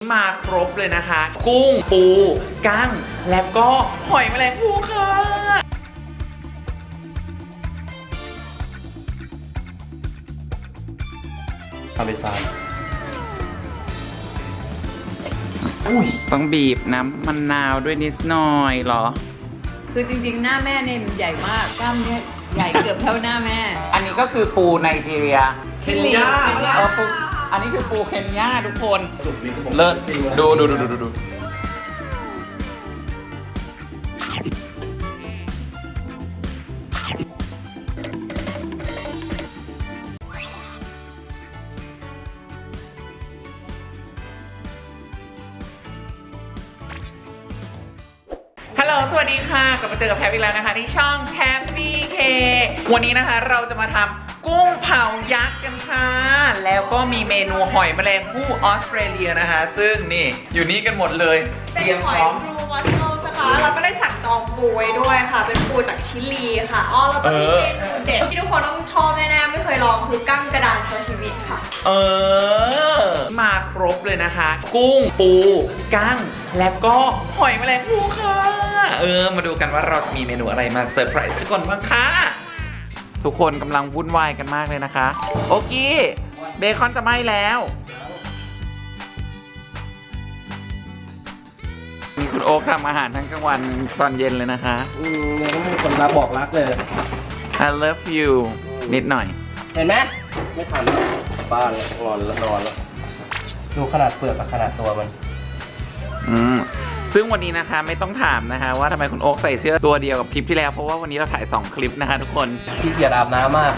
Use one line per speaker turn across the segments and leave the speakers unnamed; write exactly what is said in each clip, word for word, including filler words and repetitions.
มาครบเลยนะคะกุ้งปูกั้งแล้วก็หอยแมลงภู่ค่ะ
ทำเป็นซาน
อุ้ยต้องบีบน้ำมะนาวด้วยนิดหน่อยเหรอ
คือจริงๆหน้าแม่เนี่ยใหญ่มากกล้ามเนี่ยใหญ่เกือบเท่าหน้าแม่
อันนี้ก็คือปูไนจีเรีย
เคนยา
เออปูอันนี้คือปูเคนยาทุกคนเลิศดูดูดูดูดูดูฮัลโหลสวัสดีค่ะกลับมาเจอกับแพทอีกแล้วนะคะที่ช่องแพทบีเควันนี้นะคะเราจะมาทำกุ้งเผายักษ์กันค่ะแล้วก็มีเมนูหอยแมลงภู่ออสเตรเลียนะคะซึ่งนี่อยู่นี่กันหมดเลยเตรียมพร้อม
เป็นหอยบลูวัสโลนะคะเราก็ได้สั่งจองปูไว้ด้วยค่ะเป็นปูจากชิลีค่ะอ๋อแล้วก็มีเมนูเด็ดที่ทุกคนต้องชอบแน่ๆไม่เคยลองคือกั้งกระดานซาชิมิค่ะ
เออมาครบเลยนะคะ กุ้งปูกั้งแล้วก็หอยแมลงภู่ค่ะเออมาดูกันว่าเราจะมีเมนูอะไรมาเซอร์ไพรส์ทุกคนบ้างคะทุกคนกำลังวุ่นวายกันมากเลยนะคะโอเคเบคอนจะไหม้แล้วมีคุณโอ๊คทำอาหารทั้งกลางวันตอนเย็นเลยนะคะ
อืมยังไม่มีคนรักบอกรักเลย
I love you นิดหน่อย
เห็นไหมไม่ทันบ้านงอนแล้วนอนแล้วดูขนาดเปลือกกับขนาดตัวมัน
อืมซึ่งวันนี้นะคะไม่ต้องถามนะคะว่าทำไมคุณโอ๊คใส่เสื้อตัวเดียวกับคลิปที่แล้วเพราะว่าวันนี้เราถ่ายสองคลิปนะคะทุกคน
ขี้เกียจอาบน้ำมาก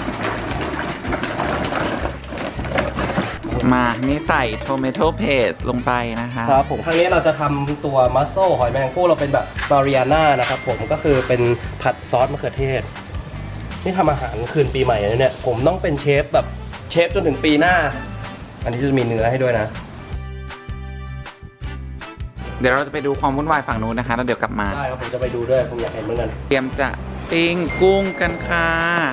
มานี่ใส่โทเมโตเพสลงไปนะคะ
ครับผมครั้งนี้เราจะทำตัวมัสโซหอยแมลงภู่เราเป็นแบบมาริอาน่านะครับผมก็คือเป็นผัดซอสมะเขือเทศนี่ทำอาหารคืนปีใหม่เลยเนี่ยผมต้องเป็นเชฟแบบเชฟจนถึงปีหน้าอันนี้จะมีเนื้อให้ด้วยนะ
เดี๋ยวเราจะไปดูความวุ่นวายฝั่งนู้นนะคะแล้วเดี๋ยวกลับมา
ได้ครับผมจะไปดูด้วยผมอยากเห็นเหมือนกัน
เตรียมจะปิ้งกุ้งกันค่ะ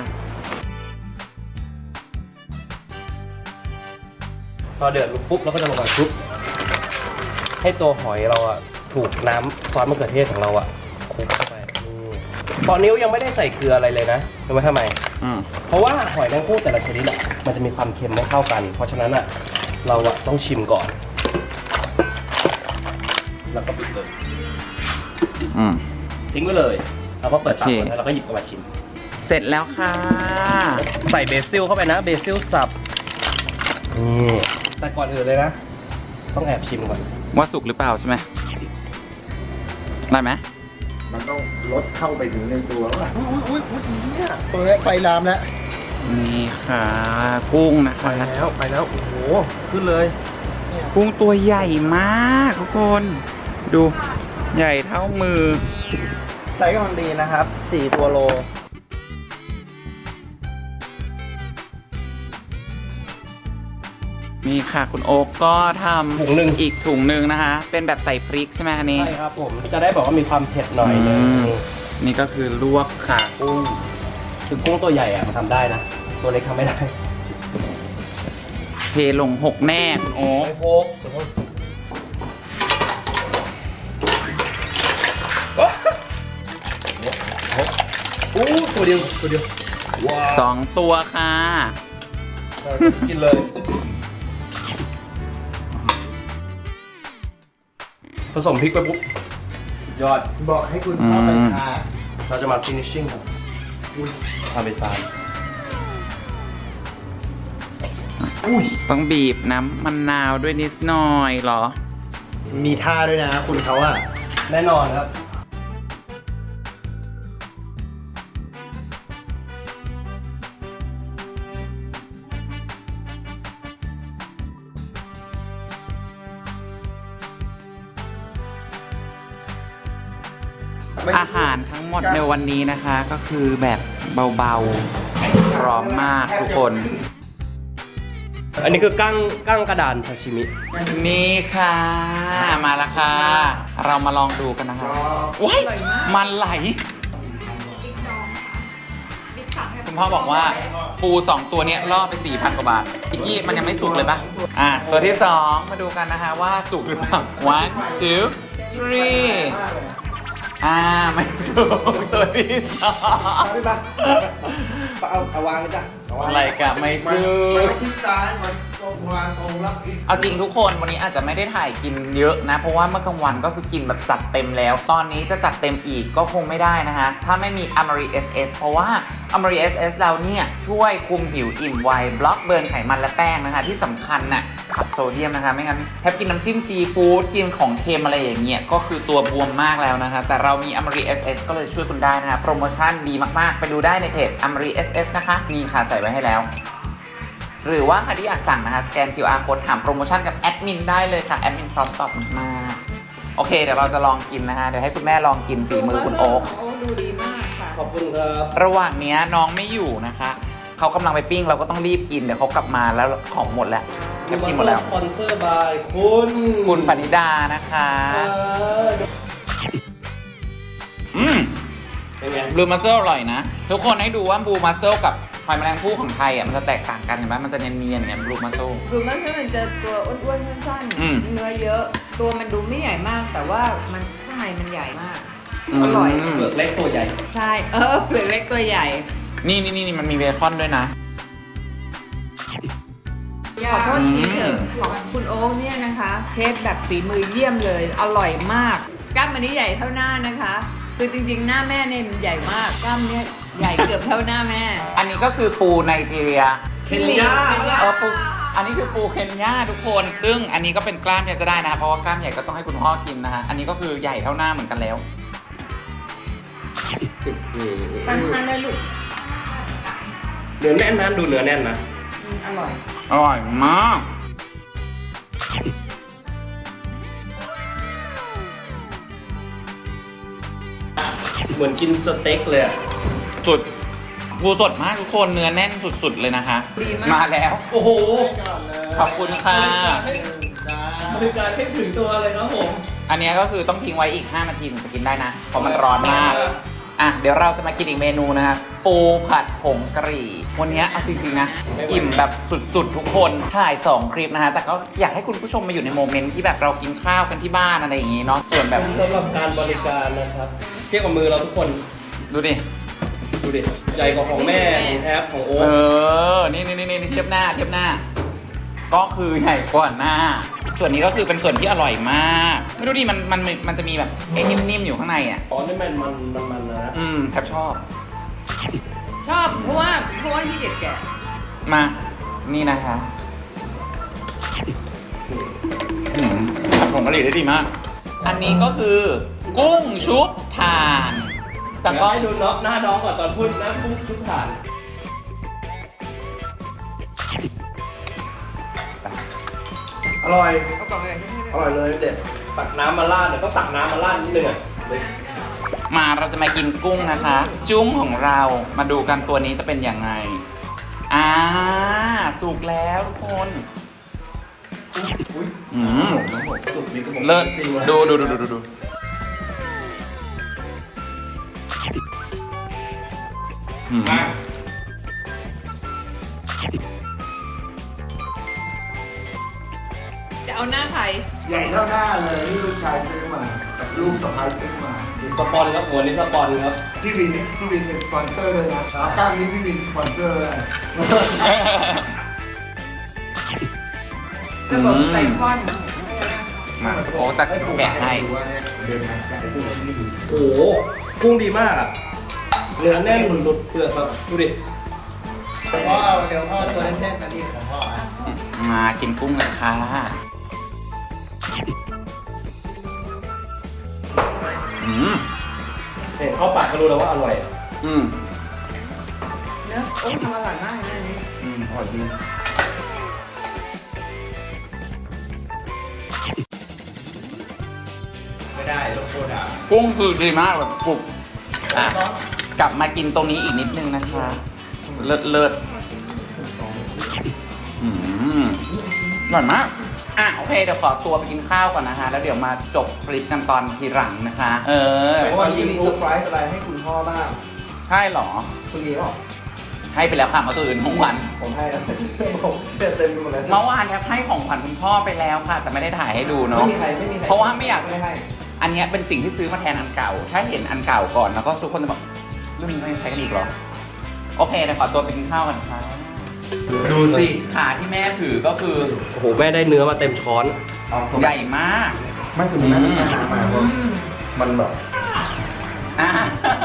พอเดือดปุ๊บเราก็จะลงไปปุ๊บให้ตัวหอยเราอะถูกน้ำซอสมะเขือเทศของเราอะคลุกเข้าไปตอนนี้ยังไม่ได้ใส่เกลืออะไรเลยนะรู้ไหมทำไมเพราะว่าหอยแมลงภู่แต่ละชนิดอะมันจะมีความเค็มไม่เท่ากันเพราะฉะนั้นอะเราอะต้องชิมก่อนแล้วก็ปิดเลยทิ้งไว้เลยแล้วก็เปิดฝาแล้วเราก็หยิบออกมาชิม
เสร็จแล้วค่ะ
ใส่เบซิลเข้าไปนะเบซิลสับนี่แต่ก่อนอื่นเลยนะต้องแอบชิมก่อน
ว่าสุกหรือเปล่าใช่ไหมได้ไหม
มันต้องลดเข้าไปถึงในตัวว่าอุ้ยอุ้ยอุ้ยเนี่ยตัวนี้ไฟลามแล้ว
นี่ค่ะกุ้งนะคะ
ไปแล้วไปแล้วโอ้โหขึ้นเลย
กุ้งตัวใหญ่มากทุกคนดูใหญ่เท่ามือ
ไซส์กำลังดีนะครับสี่ตัวโล
นี่ค่ะคุณโอ๊กก็ทำถุงหนึ่งอีกถุงหนึ่งนะคะเป็นแบบใส่พริกใช่ไหมอันนี้
ใช่ครับผมจะได้บอกว่ามีความเผ็ดหน่อยนึง
นี่ก็คือลวกขากุ้ง
คือกุ้งตัวใหญ่อะมันทำได้นะตัวเล็กทำไม่ได้
เทลงหกแน่คุณโอ๊ก
หกอู้ตัวเดียวตัวเดียว
สองตัวค่ะ
กินเลยผสมพริกไปปุ๊บยอด
บอกให้คุณพ่อไปทา
เราจะมา finishing ครับทำเป็นซาน
อุ้ยต้องบีบน้ำมะนาวด้วยนิดหน่อยเหรอ
มีท่าด้วยนะคุณเขาอะ
แน่นอนครับ
อาหารทั้งหมดในวันนี้นะคะก็คือแบบเบาๆพร้อมมากทุกคน
อันนี้คือกั้งกั้งกระดานซาชิมิ
นี่ค่ะมาแล้วค่ะเรามาลองดูกันนะคะว้ายมันไหล
สั่งให้
คุณพ่อบอกว่าปูสองตัวเนี้ยล่อไป สี่พัน กว่าบาทอีกกี้มันยังไม่สุกเลยปะอ่ะตัวที่สองมาดูกันนะคะว่าสุกหรือเปล่า one two three อ่าไม่สุกตัวที่สอง
พี่ปะเอาเอาวางเลยจ้ะเอาวาง
อะไรกับไม่สุ
มัน
ก
คิดซ้ายมันตรงวางตรงรับอีก
เอาจริงทุกคนวันนี้อาจจะไม่ได้ถ่ายกินเยอะนะ เพราะว่าเมื่อกลางวันก็คือกินแบบจัดเต็มแล้ว ตอนนี้จะจัดเต็มอีกก็คงไม่ได้นะคะ ถ้าไม่มี Amari เอส เอส เพราะว่า Amari เอส เอส เราเนี่ยช่วยคุมผิวอิ่มไวบล็อกเบิร์นไขมันและแป้งนะคะ ที่สำคัญน่ะขับโซเดียมนะคะ ไม่งั้นแทบกินน้ำจิ้มซีฟู้ดกินของเค็มอะไรอย่างเงี้ยก็คือตัวบวมมากแล้วนะคะ แต่เรามี Amari เอส เอส ก็เลยช่วยคุณได้นะคะโปรโมชั่นดีมากๆไปดูได้ในเพจ Amari เอส เอส นะคะนี่ค่ะใส่ไว้ให้แล้ว หรือว่าใครที่อยากสั่งนะคะสแกน คิว อาร์ Code ถามโปรโมชั่นกับแอดมินได้เลยค่ะ แอดมินพร้อมตอบมากๆโอเคเดี๋ยวเราจะลองกินนะคะเดี๋ยวให้คุณแม่ลองกินฝีมือคุณโอ๊ค
โอ๊คดูดีมากค่ะ
ขอบคุณครับ
ระหว่างเนี้ยน้องไม่อยู่นะคะเขากำลังไปปิ้งเราก็ต้องรีบกินเดี๋ยวเขากลับมาแล้วของหมดแล้วแทบกินหมดแล้ว
สปอนเซอร์บายคุณ
คุณปณิดานะคะ
เออ
อืม
เป็นไง
บลูมาเซลอร่อยนะ ทุกคนให้ดูว่าบลูมาเซลกับหอยแมลงภู่ของไทยอ่ะมันจะแตกต่างกันเห็นไหมมันจะเนียนๆเนี่ยบลูมาเซล
ดูมันคือมันจะตัวอ้วนๆสั้น
อืม
ๆเนื้อเยอะ ตัวมันดูไม่ใหญ่มาก แต่ว่ามันข้างในมันใหญ่มาก อร่อย
เปลือกเล็กตัวใหญ่
ใช่ เออเปลือกเล็กตัวใหญ่
นี่นี่นี่มันมีเบคอนด้วยนะ
ขอโทษทีเถอะของคุณโอ๊คเนี่ยนะคะ เชฟแบบฝีมือเยี่ยมเลย อร่อยมาก กล้ามมันนี้ใหญ่เท่าหน้านะคะ คือจริงๆ หน้าแม่เนี่ยมันใหญ่มาก กล้ามเนี่ยใหญ่เกือบเท่าหน้าแม่
อันนี้ก็คือปูไนจีเรีย
ชิลลีเคนยา
เออปูอันนี้คือปูเคนยาทุกคน ซึ่งอันนี้ก็เป็นกล้ามเนี่ยจะได้นะ เพราะว่ากล้ามใหญ่ก็ต้องให้คุณพ่อกินนะฮะ อันนี้ก็คือใหญ่เท่าหน้าเหมือนกันแล้ว
ปันทันเลยลูก
เนื้อแน่นนะดูเนื้อแน่นนะ
อืมอร่อย
อร่อยมาก
เหมือนกินสเต็กเลยอะ
สุดปูสดมากทุกคนเนื้อแน่นสุดๆเลยนะคะ
ดีมาก
มาแล้ว
โอ้โห
ขอบคุณค่ะ
บริการให้ถึงตัวเลยครับผม
อันนี้ก็คือต้องทิ้งไว้อีก ห้า นาทีถึงจะกินได้นะ เพราะมันร้อนมาก อ่ะ เดี๋ยวเราจะมากินอีกเมนูนะคะปูผัดผงกะหรี่ วันนี้เอาจริงๆนะ อิ่มแบบสุดๆทุกคนถ่ายสองคลิปนะฮะ แต่ก็อยากให้คุณผู้ชมมาอยู่ในโมเมนต์ที่แบบเรากินข้าวกันที่บ้านอะไรอย่างงี้เนาะ ส่วนแบบ
สำหรับการบริการนะครับ เทียบกับมือเราทุกคน
ดูดิ
ดูดิ ใหญ่กว่าของแม่ของแทบของโอ๊
เอ
ค
อ นี่นี่นี่นี่เทียบหน้าเทียบหน้า ก็คือใหญ่กว่าหน้า ส่วนนี้ก็คือเป็นส่วนที่อร่อยมาก ไม่รู้ดิมันมันมันจะมีแบบไอ้นิ่มๆอยู่ข้างในอ่ะ
อ๋อนี่มันมันมันมันนะ
อืมแทบชอบ
ชอบ เพราะว่าเพราะว่าที่เด็ดแกะ
มา นี่นะคะอืมผัดผงกะหรี่ได้ดีมาก อันนี้ก็คือ กุ้งชุบถ่าน แต่
แต่
ก็
ก็ให้ดูน้องหน้าน้องก่อนตอนพูดหน้าพูดทุกฐาน
อร่อย
เอากล่องอะไรที่ให้
อร่อยเลยเด็ด
ตักน้ำมาราดเนี่ยต้องตักน้ำมาราดนิดนึงอ่ะเลย
มาเราจะมากินกุ้งนะคะ จุ้งของเรามาดูกันตัวนี้จะเป็นยังไง อ่า สุกแล้วทุกคน
อุ้ย
อืม
สุกนี่ก็บอก
เลิศ
จริงๆ
ดูดูดูดูดูดูอืม
มา
จะเอาหน้าใคร
ใหญ่เท่าหน้าเลยนี่ลูกชายซื้อมากับลูกสะพ้ายซื้อมา
สปอนครับหัวนี้สปอนครับ
พี่วินพี่วินเป็นสปอนเซอร์เลยนะขากล้ามนี้พี่วินสปอนเซอร์เลย
ระบบไซคอน
มาโอ้จะแกะให้
ดูว่าเนี่ยเดินทางแกะให้ดูชิ้นนี้ดู
โอ้โหกุ้งดีมากอ่ะเนื้อแน่นหลุดเปลือกครับดูดิ
พ่อเดี๋ยวพ่อตัวแน่นๆนะนี่ของพ่ออ่ะ
มากินกุ้งกันค่ะอืม
เห็นเข้าปากก็รู้แล้วว่าอร่อย
อืม
เนอะโอ้ทำอร่อยมากเลยอันนี้
อืมอร่อยดี
ไม่ได้ต้องโคตรอ่ะ
กุ้งคือดีมากแบบกรุบอ่ะกลับมากินตรงนี้อีกนิดนึงนะคะ เลิศเลิศอืมอร่อยมาก อ่ะโอเคเดี๋ยวขอตัวไปกินข้าวก่อนนะคะ แล้วเดี๋ยวมาจบคลิปกันตอนทีหลังนะคะ เออ
วันนี้มีเซอร์ไพรส์อะไรให้คุณพ่อบ้าง
ใช่เหรอ
คุณมีเปล่า
ให้ไปแล้วค่ะเมื่อคืนของขวัญ
ผมให้แล้วผมเต็มเต็มไปหมดแล้ว
เมื่อวานแทบให้ของขวัญคุณพ่อไปแล้วค่ะ แต่ไม่ได้ถ่ายให้ดู
ไม่
เนาะ
มีใครไม่มีใคร
เพราะว่าไม่อยาก
ไม่ให้
อันเนี้ยเป็นสิ่งที่ซื้อมาแทนอันเก่า ถ้าเห็นอันเก่าก่อนแล้วก็ทุกคนจะบอกรุ่นนี้ไม่ใช้กันอีกเหรอ โอเคเดี๋ยวขอตัวไปกินข้าวกันค่ะดูสิขาที่แม่ถือก็คือ
โอ้โหแม่ได้เนื้อมาเต็มช้อน
ใหญ่มาก
ไม่ถึงแม้ไม่ใช่น้ำมาเพราะมันแบบ
อ่ะ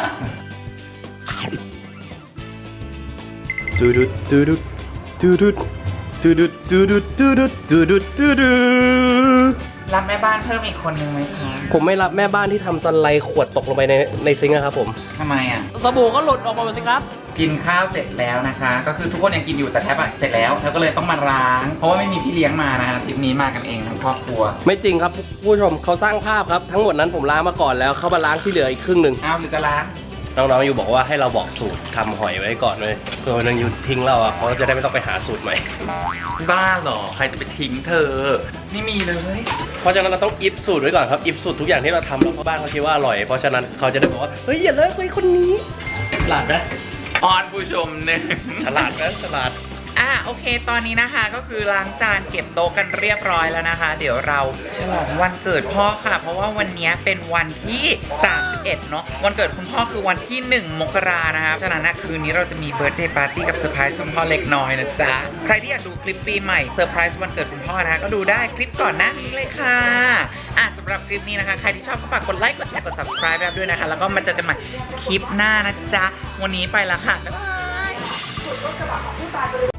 ดูดุดดูดุดดูดุดดูดุดดูดุดดูดุดดูดุดดูดุด
รับแม่บ้านเพิ่มอีกคนนึงไหมคะ
ผมไม่รับแม่บ้านที่ทำสไลด์ขวดตกลงไปในในซิงค์นะครับผม
ทำไมอ่ะ
สบู่ก็หลุดออกมาหมดสิครับ
กินข้าวเสร็จแล้วนะคะ ก็คือทุกคนยังกินอยู่แต่แทบอะเสร็จแล้วแทบก็เลยต้องมาล้าง เพราะว่าไม่มีพี่เลี้ยงมานะคะทริปนี้มากันเองทั้งครอบครัว
ไม่จริงครับผู้ชมเขาสร้างภาพครับ ทั้งหมดนั้นผมล้างมาก่อนแล้วเขามาล้างที่เหลืออีกครึ่งหนึ่ง
อ้าวหรือจะล้าง
น้องๆอยู่บอกว่าให้เราบอกสูตรทำหอยไว้ก่อนเลยเพื่อวันนึงอยู่ทิ้งเราอ่ะเขาจะได้ไม่ต้องไปหาสูตรใหม่
บ้าเหรอ ใครจะไปทิ้งเธอ ไม่มีเลย
เพราะฉะนั้นเราต้องอิฟสูตรไว้ก่อนครับอิฟสูตรทุกอย่างที่เราทำแล้วพ่อบ้านเขาคิดว่าอร่อยเพราะฉะนั้นเขาจะได้บอกว่าเฮ้ยอย่าเลิกคุยคนนี้ฉลาดนะ
ออนผู้ชมหนึ่ง
ฉลาดนะฉลาด
อ่ะโอเค ตอนนี้นะคะก็คือล้างจานเก็บโต๊ะกันเรียบร้อยแล้วนะคะ เดี๋ยวเราฉลองวันเกิดพ่อค่ะ เพราะว่าวันนี้เป็นวันที่สามสิบเอ็ดเนาะวันเกิดคุณพ่อคือวันที่หนึ่งมกรานะคะฉะนั้นนะคืนนี้เราจะมีเบิร์ธเดย์ปาร์ตี้กับเซอร์ไพรส์คุณพ่อเล็กน้อยนะจ๊ะใครที่อยากดูคลิปปีใหม่เซอร์ไพรส์วันเกิดคุณพ่อนะคะก็ดูได้คลิปก่อนหน้านี้เลยค่ะอ่ะสำหรับคลิปนี้นะคะใครที่ชอบก็ฝากกดไลค์กดแชร์กด subscribe ด้วยนะคะแล้วก็มาเจอกันใหม่คลิปหน้านะจ๊ะวันนี้ไปละค่ะบ๊ายบาย